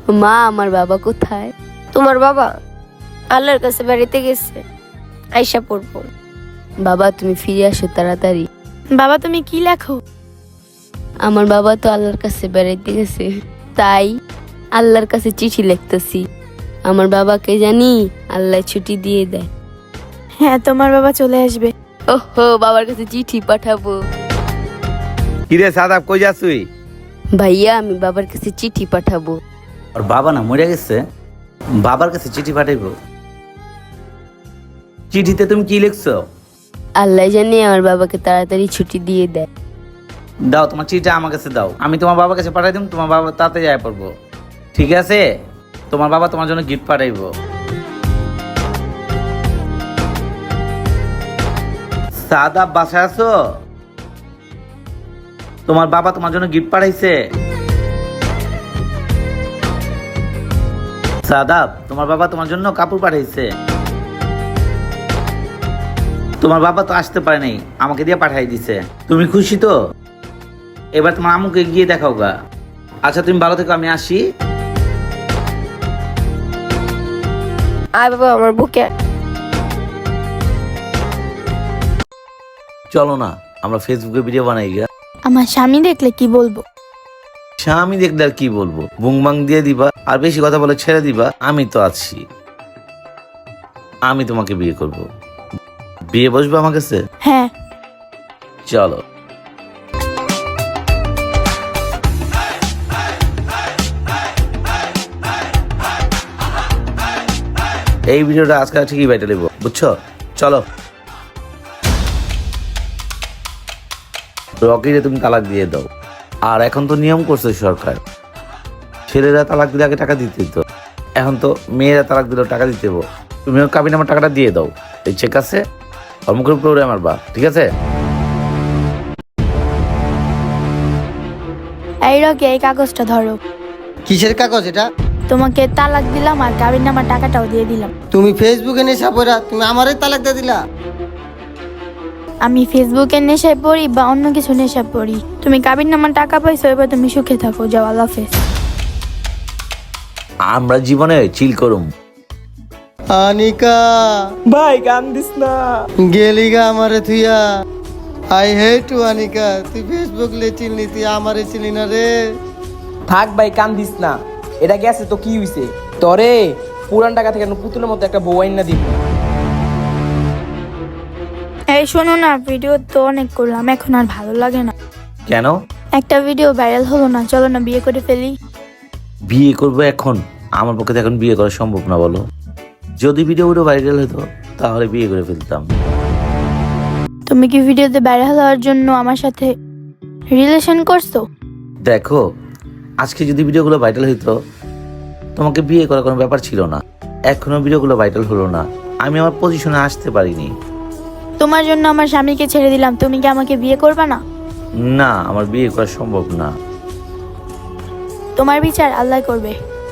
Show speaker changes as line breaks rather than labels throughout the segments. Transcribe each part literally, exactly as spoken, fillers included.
মা, আমার বাবা কোথায়?
তোমার বাবা আল্লাহর কাছে বাড়িতে গেছে, আইসা পড়বো।
বাবা, তুমি ফিরে আসো তাড়াতাড়ি।
বাবা তুমি কি লেখো?
আমার বাবা তো আল্লাহর কাছে বেড়াইতে গেছে, তাই আল্লাহর কাছে চিঠি লিখতেছি। আমার বাবাকে জানি আল্লাহ ছুটি দিয়ে দেয়।
হ্যাঁ, তোমার বাবা চলে আসবে।
ওহো, বাবার কাছে চিঠি পাঠাবো।
কিরে সাদাব, কই যাস তুই?
ভাইয়া, আমি বাবার কাছে চিঠি পাঠাবো।
ওর বাবা না মরে গেছে, বাবার কাছে চিঠি পাঠাইবো? চিঠিতে তুমি কি লিখছো?
আল্লাহ জানি আমার বাবাকে তাড়াতাড়ি ছুটি দিয়ে দেয়।
দাও তোমার চিঠিটা আমার কাছে দাও, আমি তোমার বাবার কাছে পাঠাই দিম, তোমার বাবা তাতে যায় পড়বো। ঠিক আছে, তোমার বাবা তোমার জন্য গিফট পাঠাইবো। সাদাব, বাসায় আছো? তোমার বাবা তোমার জন্য গিফট পাঠাইছে। সাদাব, তোমার বাবা তোমার জন্য কাপড় পাঠাইছে। তোমার বাবা তো আসতে পারে নাই, আমাকে দিয়ে পাঠাই দিছে। তুমি খুশি তো? এবার তোমার আম্মুকে গিয়ে দেখাও গা। আচ্ছা তুমি ভালো থেকো, আমি আসি।
আয় বাবা আমার বুকে।
চলো না আমরা ফেসবুকে ভিডিও বানাই গা।
আমার স্বামী দেখলে কি বলবো?
স্বামী দেখলে আর কি বলবো, বুংবাং দিয়ে দিবা আর বেশি কথা বলে ছেড়ে দিবা। আমি তো আছি, আমি তোমাকে বিয়ে করব। বিয়ে বসবে আমার কাছে?
হ্যাঁ।
চলো। এই ভিডিওটা আজকাল ঠিকই বাইটে নেবো, বুঝছো? চলো। রকিরে তুমি তালাক দিয়ে দাও। আর এখন তো নিয়ম করছে সরকার, ছেলেরা তালাক দিলে আগে টাকা দিতে দিত, এখন তো মেয়েরা তালাক দিলেও টাকা দিতে হবো। তুমি কাবিন আমার টাকাটা দিয়ে দাও। এই চেক আছে, মুখের উপরে আমার বা, ঠিক আছে?
এই রকি, এই কাগজটা ধরো।
কিসের কাগজ এটা?
তোমাকে তালাক দিলাম আর কাবিন নামার টাকাটাও দিয়ে দিলাম।
তুমি ফেসবুকে নেশা পড়া তুমি আমারে তালাক দিয়ে দিলা?
আমি ফেসবুকের নেশায় পড়ি বা অন্য কিছু নেশায় পড়ি, তুমি কাবিন নামার টাকা পাইছো, এবার তুমি সুখে থাকো। যাও, আল্লাহ হাফেজ।
আমরা জীবনে চিল করুম।
আনিকা
ভাই কান্দিস না।
গেলি গা আমারে থুইয়া। আই হেট ইউ আনিকা, তুই ফেসবুক লে চিনলি, তুই আমারে চিনলি না রে।
থাক ভাই কান্দিস না, এটা গেছে তো কি হইছে? তরে পুরান টাকা থেকে পুতুলের মতো একটা বউ আইনা দিব।
এই শোনো না, ভিডিও তো অনেক করলাম, এখন আর ভালো লাগে না।
কেন?
একটা ভিডিও ভাইরাল হলো না, চলো না বিয়ে করে ফেলি।
বিয়ে করবো এখন? আমার পক্ষে তো এখন বিয়ে করা সম্ভব না, বলো। যদি ভিডিওগুলো ভাইরাল হতো তাহলে বিয়ে করে ফেলতাম।
তুমি কি ভিডিওতে ভাইরাল হওয়ার জন্য আমার সাথে রিলেশন করছো?
দেখো, আজকে যদি ভিডিওগুলো ভাইরাল হইতো তোমাকে বিয়ে করার কোনো ব্যাপার ছিল না। এখনো ভিডিওগুলো ভাইরাল হলো না, আমি আমার পজিশনে আসতে পারিনি।
তোমার জন্য আমার স্বামীকে ছেড়ে দিলাম, তুমি কি আমাকে বিয়ে করবে না?
না, আমার বিয়ে করা সম্ভব না।
তোমার বিচার আল্লাহ করবে।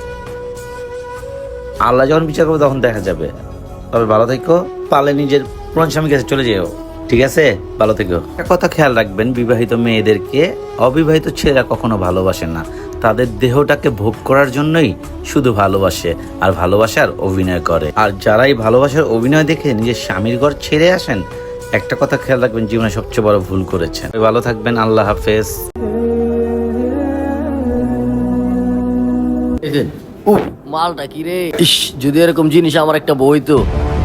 আল্লাহ যখন বিচার করবে তখন দেখা যাবে। তবে ভালো থেকো, পারলে নিজের পুরান স্বামীর কাছে চলে যেও, ঠিক আছে? ভালো থেকো। একটা কথা খেয়াল রাখবেন, বিবাহিত মেয়েদেরকে অবিবাহিত ছেলেরা কখনো ভালোবাসে না, তাদের দেহটাকে ভোগ করার জন্যই শুধু ভালোবাসে, আর ভালোবাসার অভিনয় করে। আর যারাই ভালোবাসার অভিনয় দেখে নিজের স্বামীর ঘর ছেড়ে আসেন, একটা কথা খেয়াল রাখবেন, জীবনে সবচেয়ে বড় ভুল করেছেন। ভালো থাকবেন, আল্লাহ হাফেজ।
উফ, মালটা কি রে! ইস, যদি এরকম জিনিস আমার একটা বই তো।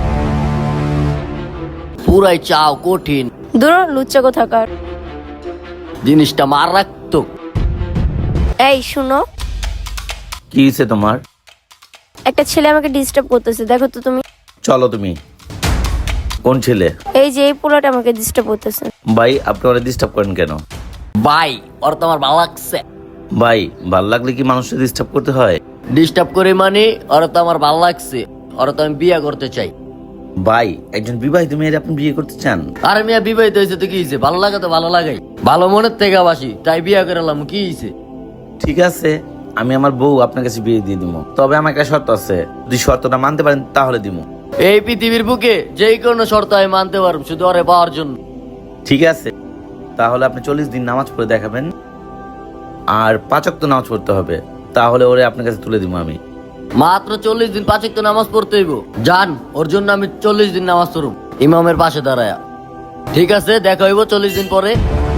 পুরাই চাও কঠিন,
দূর লুচ্চা কোথাকার।
জিনিসটা মার রাখতো।
এই শুনো,
কি হয়েছে তোমার?
একটা ছেলে আমাকে ডিস্টার্ব করতেছে, দেখো তো তুমি।
চলো তুমি। কোন ছেলে?
এই যে এই পোলাটা আমাকে ডিস্টার্ব করতেছে।
ভাই, আপনি ওরা ডিস্টার্ব করেন কেন?
ভাই, ওর তো আমার ভালো লাগছে।
ভাই, ভাল লাগলে কি মানুষকে ডিস্টার্ব করতে হয়?
ডিস্টার্ব করে মানে ওর তো আমার ভালো লাগছে, ওর তো আমি বিয়ে করতে চাই।
ভাই, একজন বিবাহিত মেয়ের আপনি বিয়ে করতে চান?
আরে মিয়া, বিবাহিত হয়েছে তো কি হয়েছে? ভালো লাগা তো ভালো লাগাই, ভালো মনের থেকে বাসি, তাই বিয়ে করলাম, কি হয়েছে?
ঠিক আছে, আমি আমার বউ আপনার কাছে বিয়ে দিয়ে দিব, তবে আমার একটা শর্ত আছে, যদি শর্তটা মানতে পারেন তাহলে দিব।
এই পৃথিবীর বুকে যেই কোনো শর্ত আমি মানতে পারব, শুধু ওরে পাওয়ার জন্য।
ঠিক আছে, তাহলে আপনি চল্লিশ দিন নামাজ পড়ে দেখাবেন, আর পাঁচ ওয়াক্ত নামাজ পড়তে হবে। তাহলে ওরে আপনার কাছে তুলে দিব আমি।
মাত্র চল্লিশ দিন পাঁচ ওয়াক্ত নামাজ পড়তে হইব। যান, ওর জন্য আমি চল্লিশ দিন নামাজ পড়ব ইমামের পাশে দাঁড়ায়া। ঠিক আছে, দেখা হইব চল্লিশ দিন পরে।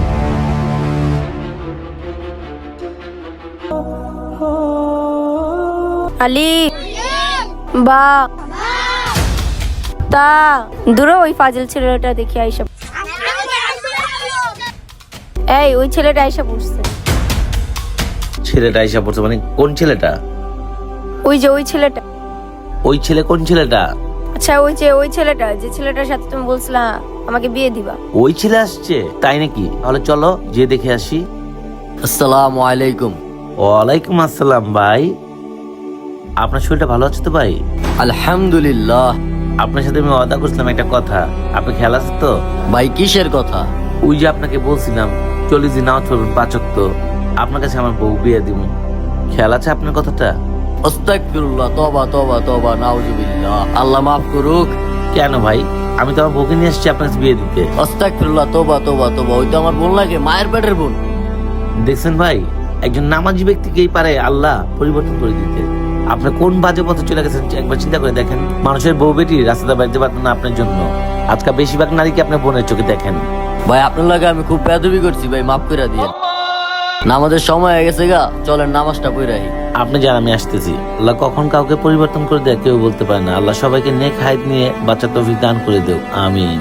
আলি বা তা দূরে ওই ফাজিল ছেলেটা দেখি আইসা। এই ওই ছেলেটা আইসা পড়ছে।
ছেলেটা এসে পড়ছে মানে কোন ছেলেটা?
ওই যে ওই ছেলেটা।
ওই ছেলে কোন ছেলেটা?
আচ্ছা ওই যে ওই ছেলেটা, যে ছেলেটার সাথে তুমি বলছিলা আমাকে বিয়ে দিবা।
ওই ছেলে আসছে তাই নাকি? তাহলে চলো যে দেখে আসি।
আসসালামু আলাইকুম।
ওয়ালাইকুম আসসালাম ভাই, আপনার শরীরটা ভালো আছে তো ভাই?
আলহামদুলিল্লাহ।
আপনার সাথে আমি ওয়াদা করছিলাম একটা কথা, আপনি খেয়াল আছে তো?
ভাই কিসের কথা?
ওই যে আপনাকে বলছিলাম চল্লিশ দিন নামাজ পড়বেন পাঁচক, তো আপনার কাছে আমার বউ বিয়ে দিব, খেয়াল আছে আপনার কথাটা?
আস্তাগফিরুল্লাহ, তওবা তওবা তওবা, নাউজুবিল্লাহ। আল্লাহ মাফ করুক।
কেন ভাই, আমি তো আমার বউকে নিয়ে এসেছি আপনার কাছে বিয়ে দিতে।
আস্তাগফিরুল্লাহ, তওবা তওবা তওবা, ওই তো আমার বোন লাগে, মায়ের পেটের বোন।
দেখছেন ভাই, একজন নামাজি ব্যক্তিকেই পারে আল্লাহ পরিবর্তন করে দিতে। আপনি কোন বাজে পথে চলে গেছেন একবার চিন্তা করে দেখেন। মানুষের বউ বেটি রাস্তাটা বাড়িতে পারতেন না আপনার জন্য। আজকাল বেশিরভাগ নারীকে আপনার বোনের চোখে দেখেন।
ভাই আপনার লাগে আমি খুব বেয়াদবি করছি ভাই, মাফ করে দিয়ে। নামাজের সময় হয়ে গেছে গা, চলেন নামাজটা পড়াই।
আপনি যান, আমি আসতেছি। আল্লাহ কখন কাউকে পরিবর্তন করে দেয় কেউ বলতে পারে না। আল্লাহ সবাইকে নেক হায়াত নিয়ে বাচ্চা তৌফিক দান করে দেও, আমিন।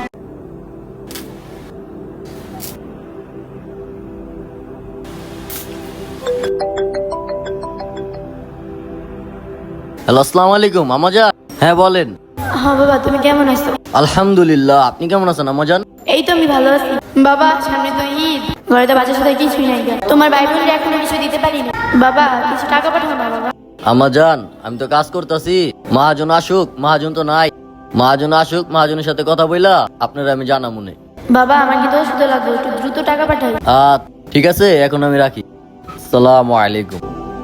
হ্যালো, আসসালামু আলাইকুম আমাজান। হ্যাঁ বলেন।
হ্যাঁ বাবা, তুমি কেমন আছো?
আলহামদুলিল্লাহ, আপনি কেমন আছেন আমাজান?
এই তো আমি ভালো আছি বাবা। সামনে তো ঈদ, ঘরে তো বাচ্চার সাথে কিছুই নাই। তোমার ভাই বোনরা এখনো কিছু দিতে পারি না বাবা, কিছু টাকা পাঠাও না বাবা।
আমাজান আমি তো কাজ করতেছি, মহাজন আসুক। মহাজন তো নাই, মহাজন আসুক, মহাজনের সাথে কথা বইলা আপনারা আমি জানা মনে।
বাবা আমার কিন্তু ওষুধ লাগবে, একটু দ্রুত টাকা পাঠাই।
আহ ঠিক আছে, এখন আমি রাখি। আসসালামু আলাইকুম।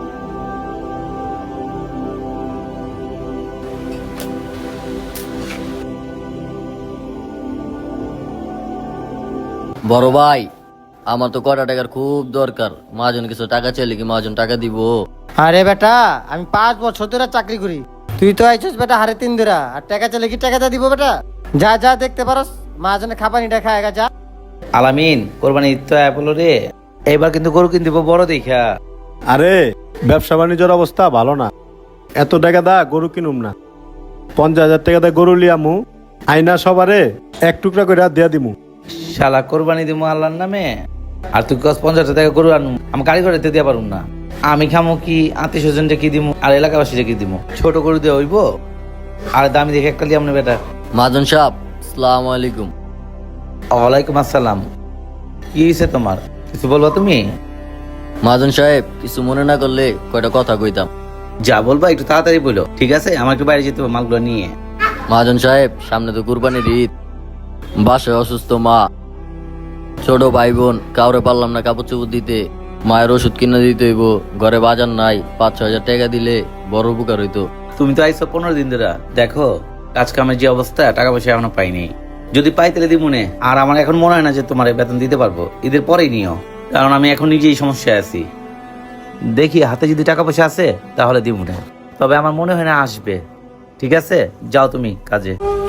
বড় ভাই, আমার তো কটা টাকার খুব দরকার। মহাজন কিছু টাকা চাইলে কি মহাজন টাকা দিব?
আরে বেটা, আমি পাঁচ বছর ধরে চাকরি করি, তুই তো আইছিস বেটা হারে তিন ধরা, আর টাকা চাইলে কি টাকাটা দিব বেটা? যা যা দেখতে পারস মাঝনে খাবানিটা খায় গা, যা।
আলামিন, কোরবানি ঈদ তো অ্যাপলো রে, এবার কিন্তু গরু কিনতে দিব বড় দেখা।
আরে ব্যবসা বাণিজ্যের অবস্থা ভালো না, এত টাকা দা গরু কিনুম না। পঞ্চাশ হাজার টাকা দা গরু লিয়ামু, আইনা সবারে এক টুকরা করে দিয়া দিমু।
শালা কোরবানি দিব আল্লাহর নামে, আর তুই কস পঞ্চাশ টাকা গরু আনু, আমি গাড়ি করে দিয়ে পারুম না। আমি খামো কি, আত্মীয় স্বজনটা কি দিমু, আর এলাকাবাসীরা কি দিমু? ছোট গরু দিয়ে হইব? আর দামি দেখে একটা লিয়াম না বেটা।
মহাজন সাহেব, আসসালামু আলাইকুম।
ওয়ালাইকুম আসসালাম। কি হয়েছে তোমার, কিছু বলবো তুমি?
মহাজন সাহেব কিছু মনে না করলে কয়টা কথা কইতাম।
যা বলবা একটু তাড়াতাড়ি বলো, ঠিক আছে? আমার একটু বাইরে যেতে হবে মালগুলো নিয়ে।
মহাজন সাহেব সামনে তো কুরবানির ঈদ, বাসায় অসুস্থ মা, ছোট ভাই বোন, কাউরে পারলাম না কাপড় চোপড় দিতে, মায়ের ওষুধ কিনে দিতে হইব, ঘরে বাজার নাই, পাঁচ ছ হাজার টাকা দিলে বড় উপকার হইতো।
তুমি তো আইসো পনেরো দিন ধরে, দেখো কাজ কামের যে অবস্থা, টাকা পয়সা এখনো পাইনি। যদি পাই তাহলে দিব মনে। আর আমার এখন মনে হয় না যে তোমার বেতন দিতে পারবো, ঈদের পরেই নিও, কারণ আমি এখন নিজেই সমস্যায় আছি। দেখি হাতে যদি টাকা পয়সা আছে তাহলে দিব মনে, তবে আমার মনে হয় না আসবে। ঠিক আছে, যাও তুমি কাজে।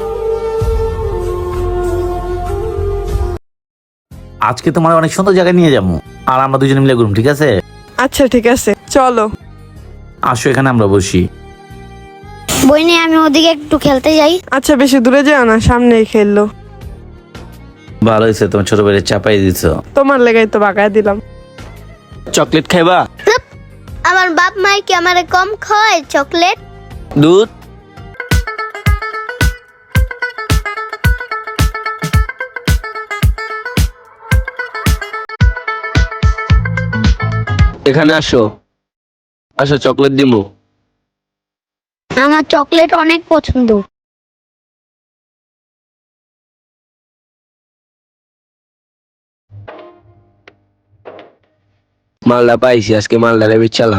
আজকে তোমার অনেক সুন্দর জায়গায় নিয়ে যাবো, আর আমরা দুজনে মিলে ঘুরবো, ঠিক আছে?
আচ্ছা ঠিক আছে, চলো।
আসো এখানে আমরা বসি।
বইনে আমি ওদিকে একটু খেলতে যাই।
আচ্ছা বেশি দূরে যাও না, সামনেই খেললো।
ভালো হয়েছে, তোমার ছোট ভাইয়ের চাপাই দিছো।
তোমার লেগাই তো বাগায় দিলাম।
চকলেট খাইবা?
আমার বাপ মাই কি আমারে কম খায় চকলেট?
দুধ? এখানে আসো, আসো চকলেট দিমু।
আমার চকলেট অনেক পছন্দ।
মালটা পাইছি, আজকে মালটা বেচালাম।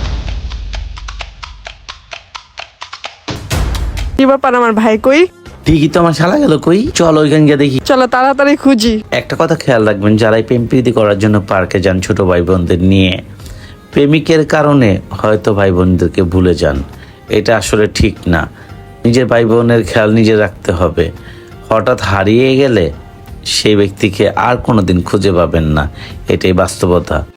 কি ব্যাপার, আমার ভাই কই?
ঠিকই তো, আমার শালা গেল কই? চলো ওইখানে গিয়ে দেখি।
চলো তাড়াতাড়ি খুঁজি।
একটা কথা খেয়াল রাখবেন, যারা প্রেম প্রীতি করার জন্য পার্কে যান ছোট ভাই বোনদের নিয়ে, প্রেমিকের কারণে হয়তো ভাই বোনদেরকে ভুলে যান, এটা আসলে ঠিক না। নিজের ভাই বোনের খেয়াল নিজে রাখতে হবে। হঠাৎ হারিয়ে গেলে সেই ব্যক্তিকে আর কোনোদিন খুঁজে পাবেন না, এটাই বাস্তবতা।